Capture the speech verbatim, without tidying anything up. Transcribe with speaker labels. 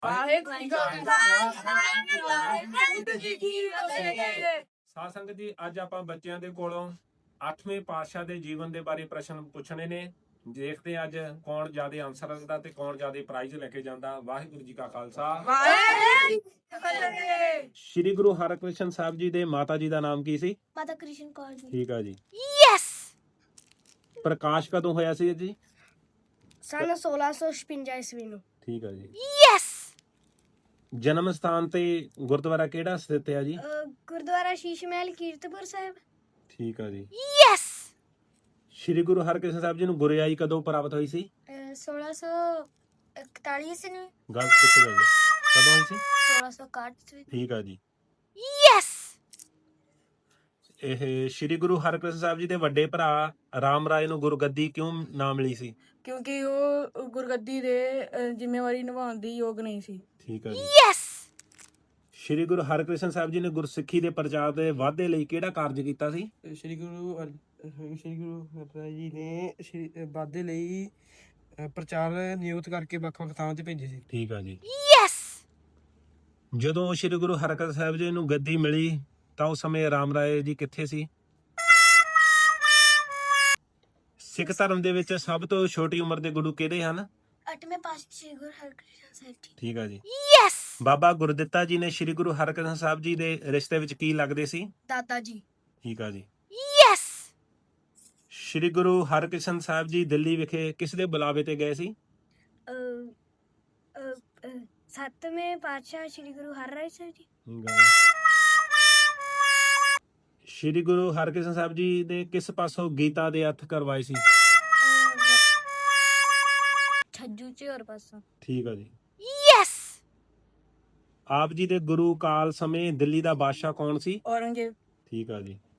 Speaker 1: ਸਾਧ ਸੰਗਤ ਜੀ, ਅੱਜ ਆਪਾਂ ਬੱਚਿਆਂ ਦੇ ਕੋਲੋਂ ਅੱਠਵੇਂ ਪਾਤਸ਼ਾਹ ਦੇ ਜੀਵਨ ਦੇ ਬਾਰੇ ਪ੍ਰਸ਼ਨ ਪੁੱਛਣੇ ਨੇ। ਦੇਖਦੇ ਅੱਜ ਕੌਣ ਜ਼ਿਆਦਾ ਆਨਸਰ ਰੱਖਦਾ ਤੇ ਕੌਣ ਜ਼ਿਆਦਾ ਪ੍ਰਾਈਜ਼ ਲੈ ਕੇ ਜਾਂਦਾ। ਵਾਹਿਗੁਰੂ ਜੀ ਕਾ ਖਾਲਸਾ, ਵਾਹਿਗੁਰੂ ਜੀ ਕੀ ਫਤਿਹ। ਸ਼੍ਰੀ ਗੁਰੂ ਹਰਕ੍ਰਿਸ਼ਨ ਸਾਹਿਬ ਜੀ ਦੇ ਮਾਤਾ ਜੀ ਦਾ ਨਾਮ ਕੀ ਸੀ?
Speaker 2: ਮਾਤਾ ਕ੍ਰਿਸ਼ਨ ਕੌਰ ਜੀ।
Speaker 1: ਠੀਕ ਆ ਜੀ।
Speaker 2: ਯੈਸ।
Speaker 1: ਪ੍ਰਕਾਸ਼ ਕਦੋਂ ਹੋਇਆ ਸੀ ਜੀ?
Speaker 2: ਸਨ ਸੋਲਾਂ ਸੌ ਛਪੰਜਾ ਈਸਵੀ ਨੂੰ।
Speaker 1: ਠੀਕ ਆ ਜੀ।
Speaker 2: ਯੈਸ।
Speaker 1: ਜਨਮ ਸਥਾਨ ਤੇ ਗੁਰਦੁਆਰਾ ਕਿਹੜਾ ਸਥਿਤ ਹੈ ਜੀ?
Speaker 2: ਗੁਰਦੁਆਰਾ ਸ਼ੀਸ਼ ਮਹਿਲ ਕੀਰਤਪੁਰ ਸਾਹਿਬ।
Speaker 1: ਠੀਕ ਆ ਜੀ।
Speaker 2: ਯੈਸ।
Speaker 1: ਸ਼੍ਰੀ ਗੁਰੂ ਹਰਕ੍ਰਿਸ਼ਨ ਸਾਹਿਬ ਜੀ ਨੂੰ ਗੁਰਿਆਈ ਕਦੋਂ ਪ੍ਰਾਪਤ ਹੋਈ ਸੀ?
Speaker 2: ਸੋਲਾਂ ਸੌ ਇਕਤਾਲੀ ਈਸਵੀ ਨੂੰ।
Speaker 1: ਗੱਲ ਕਿੱਥੇ ਗਈ? ਕਦੋਂ ਹੋਈ ਸੀ?
Speaker 2: ਸੋਲਾਂ ਸੌ ਇਕਾਹਠ ਈਸਵੀ।
Speaker 1: ਠੀਕ ਆ ਜੀ।
Speaker 2: ਯੈਸ।
Speaker 1: ਇਹ ਸ਼੍ਰੀ ਗੁਰੂ ਹਰਕ੍ਰਿਸ਼ਨ ਸਾਹਿਬ ਜੀ ਦੇ ਵੱਡੇ ਭਰਾ ਰਾਮ ਰਾਏ ਨੂੰ ਗੁਰਗੱਦੀ ਕਿਉਂ ਨਾ ਮਿਲੀ ਸੀ?
Speaker 3: ਕਿਉਂਕਿ ਉਹ ਗੁਰਗੱਦੀ ਦੇ ਜ਼ਿੰਮੇਵਾਰੀ ਨਿਭਾਉਣ ਦੀ ਯੋਗ ਨਹੀਂ ਸੀ।
Speaker 1: ਠੀਕ ਆ ਜੀ।
Speaker 2: ਯੈਸ।
Speaker 1: ਸ਼੍ਰੀ ਗੁਰੂ ਹਰਕ੍ਰਿਸ਼ਨ ਸਾਹਿਬ ਜੀ ਨੇ ਗੁਰਸਿੱਖੀ ਦੇ ਪ੍ਰਚਾਰ ਦੇ ਵਾਧੇ ਲਈ ਕਿਹੜਾ ਕਾਰਜ ਕੀਤਾ ਸੀ?
Speaker 4: ਸ਼੍ਰੀ ਗੁਰੂ ਸ਼੍ਰੀ ਗੁਰੂ ਹਰਿ ਜੀ ਨੇ ਵਾਧੇ ਲਈ ਪ੍ਰਚਾਰ ਨਿਯੁਕਤ ਕਰਕੇ ਵੱਖ-ਵੱਖ ਥਾਵਾਂ ਤੇ ਭੇਜੇ ਸੀ।
Speaker 1: ਠੀਕ ਆ ਜੀ।
Speaker 2: ਯੈਸ।
Speaker 1: ਜਦੋਂ ਸ਼੍ਰੀ ਗੁਰੂ ਹਰਕ੍ਰਿਸ਼ਨ ਸਾਹਿਬ ਜੀ ਨੂੰ ਗੱਦੀ ਮਿਲੀ ਤਾਂ ਉਸ ਸਮੇਂ ਰਾਮ ਰਾਏ ਜੀ ਕਿੱਥੇ ਸੀ? ਸਿੱਖ ਧਰਮ ਦੇ ਵਿੱਚ ਸਭ ਤੋਂ ਛੋਟੀ ਉਮਰ ਦੇ ਗੁਰੂ ਕਿਹੜੇ ਹਨ?
Speaker 2: ਅੱਠਵੇਂ ਪਾਤਸ਼ਾਹ ਸ਼੍ਰੀ ਗੁਰੂ ਹਰਕ੍ਰਿਸ਼ਨ ਸਾਹਿਬ ਜੀ।
Speaker 1: ਠੀਕ ਆ ਜੀ।
Speaker 2: ਯੈਸ।
Speaker 1: ਬਾਬਾ ਗੁਰਦਿੱਤਾ ਜੀ ਨੇ ਸ਼੍ਰੀ ਗੁਰੂ ਹਰਕ੍ਰਿਸ਼ਨ ਸਾਹਿਬ ਜੀ ਦੇ ਰਿਸ਼ਤੇ ਵਿੱਚ ਕੀ ਲੱਗਦੇ ਸੀ?
Speaker 2: ਦਾਦਾ ਜੀ।
Speaker 1: ਠੀਕ ਆ ਜੀ।
Speaker 2: ਯੈਸ।
Speaker 1: ਸ਼੍ਰੀ ਗੁਰੂ ਹਰਕ੍ਰਿਸ਼ਨ ਸਾਹਿਬ ਜੀ ਦਿੱਲੀ ਵਿਖੇ ਕਿਸ ਦੇ ਬੁਲਾਵੇ ਤੇ ਗਏ ਸੀ?
Speaker 2: ਸੱਤਵੇਂ ਪਾਤਸ਼ਾਹ ਸ਼੍ਰੀ ਗੁਰੂ ਹਰਿਰਾਏ ਸਾਹਿਬ ਜੀ।
Speaker 1: ਸ਼੍ਰੀ ਗੁਰੂ ਹਰਕ੍ਰਿਸ਼ਨ ਸਾਹਿਬ ਜੀ ਨੇ ਕਿਸ ਪਾਸੋਂ ਗੀਤਾ ਦੇ ਅਰਥ ਕਰਵਾਏ ਸੀ?
Speaker 2: ਛੱਜੂ ਝਿਓਰ ਪਾਸੋਂ।
Speaker 1: ਠੀਕ ਆ ਜੀ।
Speaker 2: ਯੈਸ।
Speaker 1: ਆਪ ਜੀ ਦੇ ਗੁਰੂ ਕਾਲ ਸਮੇਂ ਦਿੱਲੀ ਦਾ ਬਾਦਸ਼ਾਹ ਕੌਣ ਸੀ?
Speaker 3: ਔਰੰਗਜ਼ੇਬ।
Speaker 1: ਠੀਕ ਆ ਜੀ।